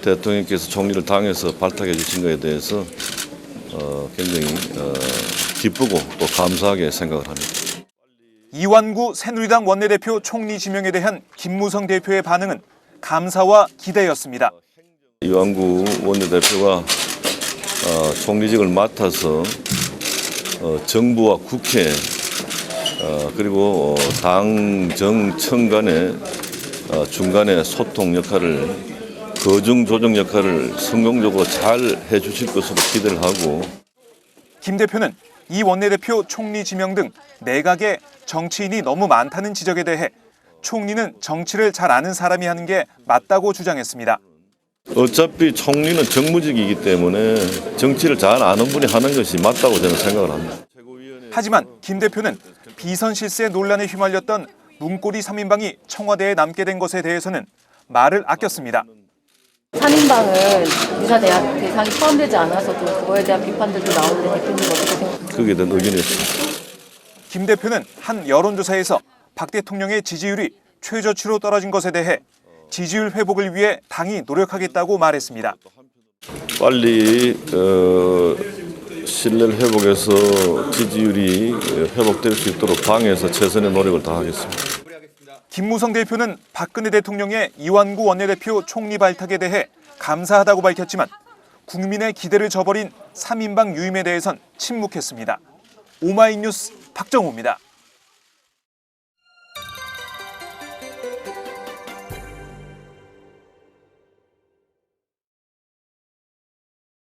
대통령께서 총리를 당해서 발탁해 주신 것에 대해서 굉장히 기쁘고 또 감사하게 생각을 합니다. 이완구 새누리당 원내대표 총리 지명에 대한 김무성 대표의 반응은 감사와 기대였습니다. 이완구 원내대표가 총리직을 맡아서 정부와 국회 그리고 당, 정, 청 간의 중간에 소통 역할을 거중 조정 역할을 성공적으로 잘 해주실 것으로 기대를 하고 김 대표는 이 원내대표 총리 지명 등 내각에 정치인이 너무 많다는 지적에 대해 총리는 정치를 잘 아는 사람이 하는 게 맞다고 주장했습니다. 어차피 총리는 정무직이기 때문에 정치를 잘 아는 분이 하는 것이 맞다고 저는 생각을 합니다. 하지만 김 대표는 비선 실세 논란에 휘말렸던 문고리 3인방이 청와대에 남게 된 것에 대해서는 말을 아꼈습니다. 3인방은 유사 대상이 포함되지 않아서도 그거에 대한 비판들도 나오는데 대표님 어떻게 생각하세요? 거기에 대한 의견이 있습니다. 김 대표는 한 여론조사에서 박 대통령의 지지율이 최저치로 떨어진 것에 대해 지지율 회복을 위해 당이 노력하겠다고 말했습니다. 빨리 신뢰를 회복해서 지지율이 회복될 수 있도록 당에서 최선의 노력을 다하겠습니다. 김무성 대표는 박근혜 대통령의 이완구 원내대표 총리 발탁에 대해 감사하다고 밝혔지만 국민의 기대를 저버린 3인방 유임에 대해선 침묵했습니다. 오마이뉴스 박정호입니다.